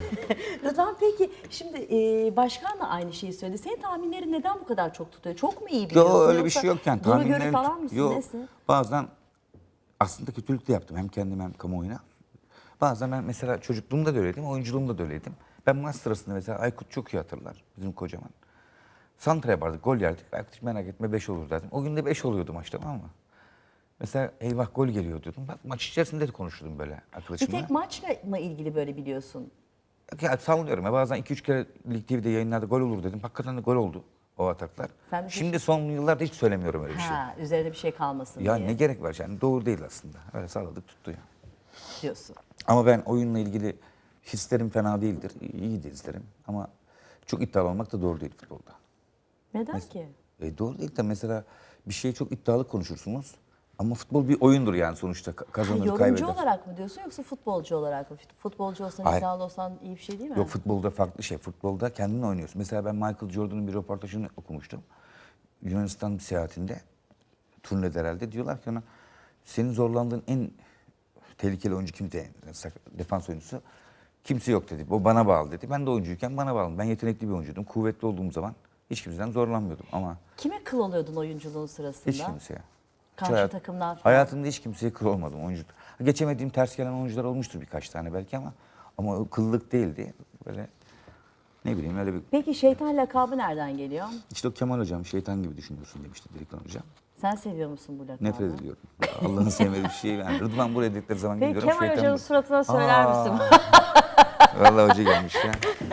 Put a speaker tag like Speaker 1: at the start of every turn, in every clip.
Speaker 1: Rıdvan peki şimdi başkan da aynı şeyi söyledi. Senin tahminlerin neden bu kadar çok tutuyor? Çok mu iyi biliyorsun?
Speaker 2: Yok öyle bir
Speaker 1: Yoksa
Speaker 2: şey yok yani.
Speaker 1: duru görü
Speaker 2: Tahminlerim
Speaker 1: falan mısın?
Speaker 2: yok.
Speaker 1: Nesin?
Speaker 2: Bazen aslında kötülük de yaptım hem kendime hem kamuoyuna. Bazen ben mesela çocukluğumda da öyleydim, oyunculuğumda da öyleydim. Ben maç sırasında mesela Aykut çok iyi hatırlar, bizim kocaman. Santra yapardık, gol yerdik. Aykut hiç merak etme 5 olur derdim. O gün de 5 oluyordu maç, tamam mı? Mesela eyvah gol geliyor diyordum. Bak maç içerisinde de konuşurdum böyle
Speaker 1: Bir
Speaker 2: arkadaşımla.
Speaker 1: tek maçla mı ilgili böyle biliyorsun?
Speaker 2: Ya sallıyorum ya, bazen 2-3 kere Lig TV'de yayınlarda gol olur dedim. Hakikaten de gol oldu o ataklar.
Speaker 1: Sen de
Speaker 2: Şimdi son yıllarda hiç söylemiyorum öyle bir şey.
Speaker 1: Ha, üzerine bir şey kalmasın
Speaker 2: Ya
Speaker 1: diye
Speaker 2: ne gerek var yani, doğru değil aslında. Öyle salladık tuttu ya.
Speaker 1: diyorsun.
Speaker 2: Ama ben oyunla ilgili hislerim fena değildir. İyi de izlerim. Ama çok iddialı olmak da doğru değil futbolda.
Speaker 1: Neden ki?
Speaker 2: Doğru değil de mesela bir şeye çok iddialı konuşursunuz. Ama futbol bir oyundur yani sonuçta. Kazanır,
Speaker 1: Yorumcu
Speaker 2: kaybeder.
Speaker 1: olarak mı diyorsun yoksa futbolcu olarak mı? Futbolcu olsan,
Speaker 2: Hayır.
Speaker 1: iddialı olsan iyi bir şey değil mi?
Speaker 2: Yok, futbolda farklı şey. Futbolda kendin oynuyorsun. Mesela ben Michael Jordan'ın bir röportajını okumuştum. Yunanistan seyahatinde, turnede herhalde, diyorlar ki ona senin zorlandığın en tehlikeli oyuncu kimdi? Defans oyuncusu. Kimse yok dedi. O bana bağlı dedi. Ben de oyuncuyken bana bağlı. Ben yetenekli bir oyuncuydum. Kuvvetli olduğum zaman hiç kimseden zorlanmıyordum ama
Speaker 1: Kime kıl oluyordun oyunculuğun sırasında?
Speaker 2: hiç kimseye.
Speaker 1: Karşı takımdan falan.
Speaker 2: Hayatımda hiç kimseye kıl olmadım oyuncu. Geçemediğim ters gelen oyuncular olmuştur birkaç tane belki ama o kıllık değildi. Böyle ne bileyim öyle bir...
Speaker 1: Peki şeytan lakabı nereden geliyor?
Speaker 2: İşte o Kemal hocam şeytan gibi düşünüyorsun demişti Diriklan hocam.
Speaker 1: Sen seviyor musun bu lakabı?
Speaker 2: Nefret ediyorum. Allah'ın sevmediği bir şey. Yani Rıdvan buraya dedikleri zaman
Speaker 1: Peki
Speaker 2: gidiyorum.
Speaker 1: Kemal Hoca'nın suratına söyler misin?
Speaker 2: Vallahi hoca gelmiş ya.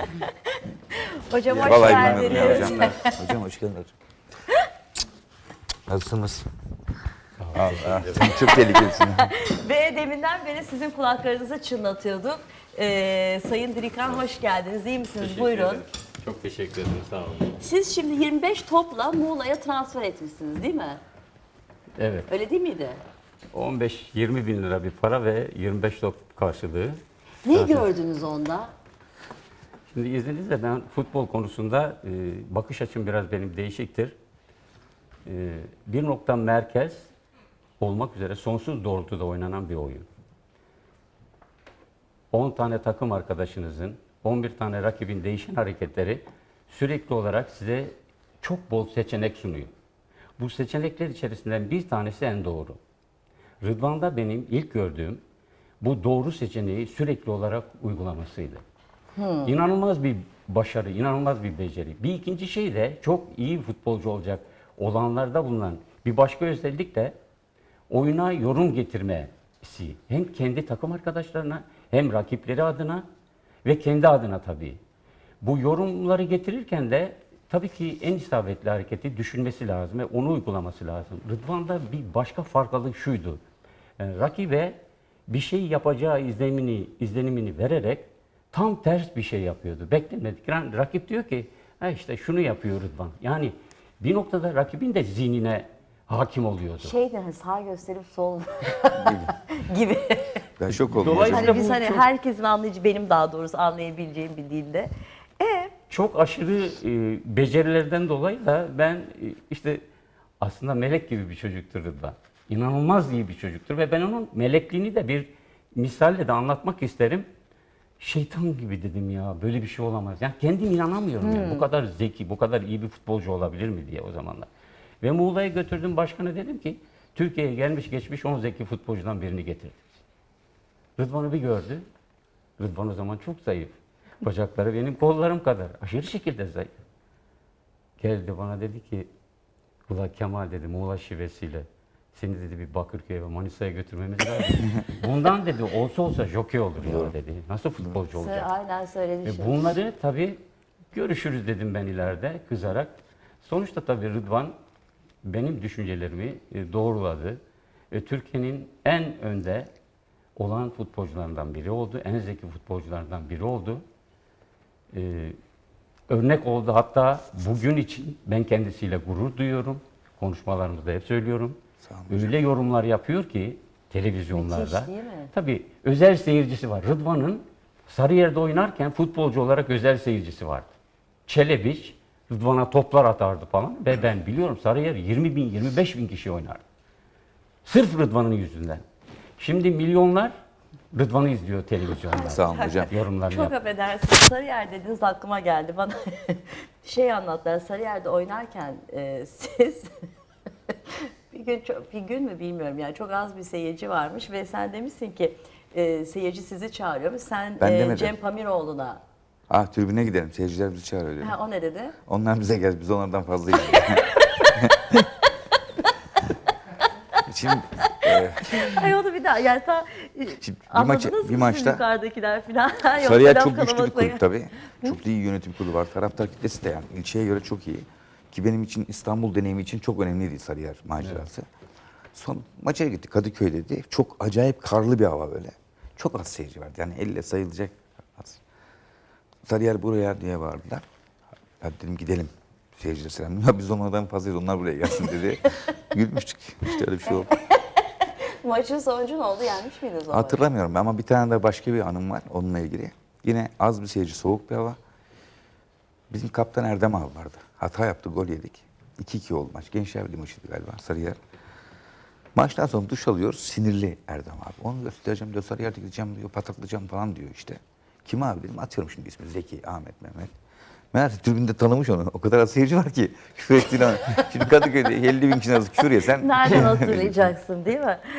Speaker 1: Hocam hoş
Speaker 2: Vallahi bilmiyorum ya
Speaker 1: geldiniz.
Speaker 2: hocam. Hocam hoş geldin hocam. Nasılsınız? Allah, sen çok tehlikelisin.
Speaker 1: Ve deminden beri sizin kulaklarınıza çınlatıyorduk. Sayın Dirikhan hoş geldiniz. İyi misiniz?
Speaker 3: Teşekkür
Speaker 1: Buyurun.
Speaker 3: ederim. Çok teşekkür ederim. Sağ olun.
Speaker 1: Siz şimdi 25 topla Muğla'ya transfer etmişsiniz değil mi?
Speaker 3: Evet.
Speaker 1: Öyle değil miydi?
Speaker 3: 15-20 bin lira bir para ve 25 top karşılığı.
Speaker 1: Ne gördünüz onda?
Speaker 3: Şimdi izninizle ben futbol konusunda bakış açım biraz benim değişiktir. Bir nokta merkez olmak üzere sonsuz doğrultuda oynanan bir oyun. 10 tane takım arkadaşınızın, 11 tane rakibin değişen hareketleri sürekli olarak size çok bol seçenek sunuyor. Bu seçenekler içerisinden bir tanesi en doğru. Rıdvan'da benim ilk gördüğüm bu doğru seçeneği sürekli olarak uygulamasıydı. İnanılmaz bir başarı, inanılmaz bir beceri. Bir ikinci şey de çok iyi futbolcu olacak olanlarda bulunan bir başka özellik de oyuna yorum getirmesi. Hem kendi takım arkadaşlarına hem rakipleri adına ve kendi adına tabii. Bu yorumları getirirken de tabii ki en isabetli hareketi düşünmesi lazım ve onu uygulaması lazım. Rıdvan'da bir başka farklılık şuydu. Yani rakibe bir şey yapacağı izlenimini vererek tam ters bir şey yapıyordu. Beklemedik. Yani rakip diyor ki ha işte şunu yapıyor Rıdvan. Yani bir noktada rakibin de zihnine hakim oluyordu.
Speaker 1: Şeyden sağ gösterip sol gibi.
Speaker 2: Ben şok oldum
Speaker 3: Dolayısıyla
Speaker 2: hocam.
Speaker 1: Hani biz
Speaker 3: bu
Speaker 1: hani
Speaker 3: çok-
Speaker 1: herkesin anlayacağı, benim daha doğrusu anlayabileceğim bir dilde.
Speaker 3: Çok aşırı becerilerden dolayı da ben işte aslında melek gibi bir çocuktur Rıdvan. İnanılmaz iyi bir çocuktur ve ben onun melekliğini de bir misalle de anlatmak isterim. Şeytan gibi dedim ya, böyle bir şey olamaz. Yani kendim inanamıyorum yani bu kadar zeki, bu kadar iyi bir futbolcu olabilir mi diye o zamanlar. Ve Muğla'ya götürdüm, başkana dedim ki Türkiye'ye gelmiş geçmiş 10 zeki futbolcudan birini getirdik. Rıdvan'ı bir gördü. Rıdvan o zaman çok zayıf. Bacakları benim kollarım kadar. Aşırı şekilde zayıf. Geldi bana dedi ki, "Ula Kemal," dedi, "Muğla şivesiyle seni," dedi, "bir Bakırköy'e ve Manisa'ya götürmemiz lazım." Bundan dedi olsa jokey olur ya dedi. Nasıl futbolcu olacak?
Speaker 1: Aynen söyledi şimdi.
Speaker 3: Bunları tabii görüşürüz dedim ben ileride kızarak. Sonuçta tabii Rıdvan benim düşüncelerimi doğruladı. Türkiye'nin en önde olan futbolcularından biri oldu. En zeki futbolculardan biri oldu. Örnek oldu. Hatta bugün için ben kendisiyle gurur duyuyorum. Konuşmalarımızda hep söylüyorum.
Speaker 2: Sağ olun hocam.
Speaker 3: Öyle yorumlar yapıyor ki televizyonlarda.
Speaker 1: Müthiş değil mi?
Speaker 3: Tabii özel seyircisi var. Rıdvan'ın Sarıyer'de oynarken futbolcu olarak özel seyircisi vardı. Çelebiç Rıdvan'a toplar atardı falan ve ben biliyorum Sarıyer 20 bin, 25 bin kişi oynardı. Sırf Rıdvan'ın yüzünden. Şimdi milyonlar Rıdvan'ı izliyor televizyonda.
Speaker 2: Sağ olun hocam.
Speaker 3: Yorumlarını
Speaker 1: Çok
Speaker 3: yap.
Speaker 1: affedersiniz. Sarıyer dediniz aklıma geldi. Bana şey anlattılar. Sarıyer'de oynarken siz bir gün mü bilmiyorum yani çok az bir seyirci varmış ve sen demişsin ki seyirci sizi çağırıyormuş. Sen
Speaker 2: Ben demedim.
Speaker 1: Cem Pamiroğlu'na.
Speaker 2: Tribüne gidelim. Seyirciler bizi çağırıyor dedim.
Speaker 1: Ha, o ne dedi?
Speaker 2: Onlar bize gel, biz onlardan fazlayız. Şimdi,
Speaker 1: Ay onu bir daha yani
Speaker 2: şimdi
Speaker 1: anladınız mı siz yukarıdakiler falan? Yoksa
Speaker 2: Sarıyer
Speaker 1: laf
Speaker 2: çok güçlü bir
Speaker 1: kalabalıkla-
Speaker 2: kulüp tabii. Çok da iyi yönetim kurulu var. Taraftar kitlesi de yani ilçeye göre çok iyi. Ki benim için İstanbul deneyimi için çok önemliydi Sarıyer macerası. Son maça gittik Kadıköy'deydi. Çok acayip karlı bir hava böyle. Çok az seyirci vardı. Yani elle sayılacak az. Sarıyer buraya diye bağırdılar. Ben dedim gidelim. Seyirciler selam. Ya biz onlardan fazlayız. Onlar buraya gelsin dedi. Gülmüştük. İşte öyle bir şey oldu.
Speaker 1: Maçın sonucu ne oldu? Yenmiş miydiniz o maçı?
Speaker 2: Hatırlamıyorum ama bir tane de başka bir anım var onunla ilgili. Yine az bir seyirci, soğuk bir hava. Bizim kaptan Erdem abi vardı. Hata yaptı, gol yedik. 2-2 oldu maç. Gençler Birliği maçıydı galiba Sarıyer. Maçtan sonra duş alıyoruz. Sinirli Erdem abi. Onu göstereceğim diyor. Sarıyer'de gideceğim diyor. Pataklayacağım falan diyor işte. Kim abi dedim. Atıyorum şimdi ismi. Zeki, Ahmet, Mehmet. Meğerse tribünde tanımış onu. O kadar az seyirci var ki. Küfür ettiğini. Şimdi Kadıköy'de 50 bin kişinin arası küfür yesen.
Speaker 1: Nereden hatırlayacaksın değil mi?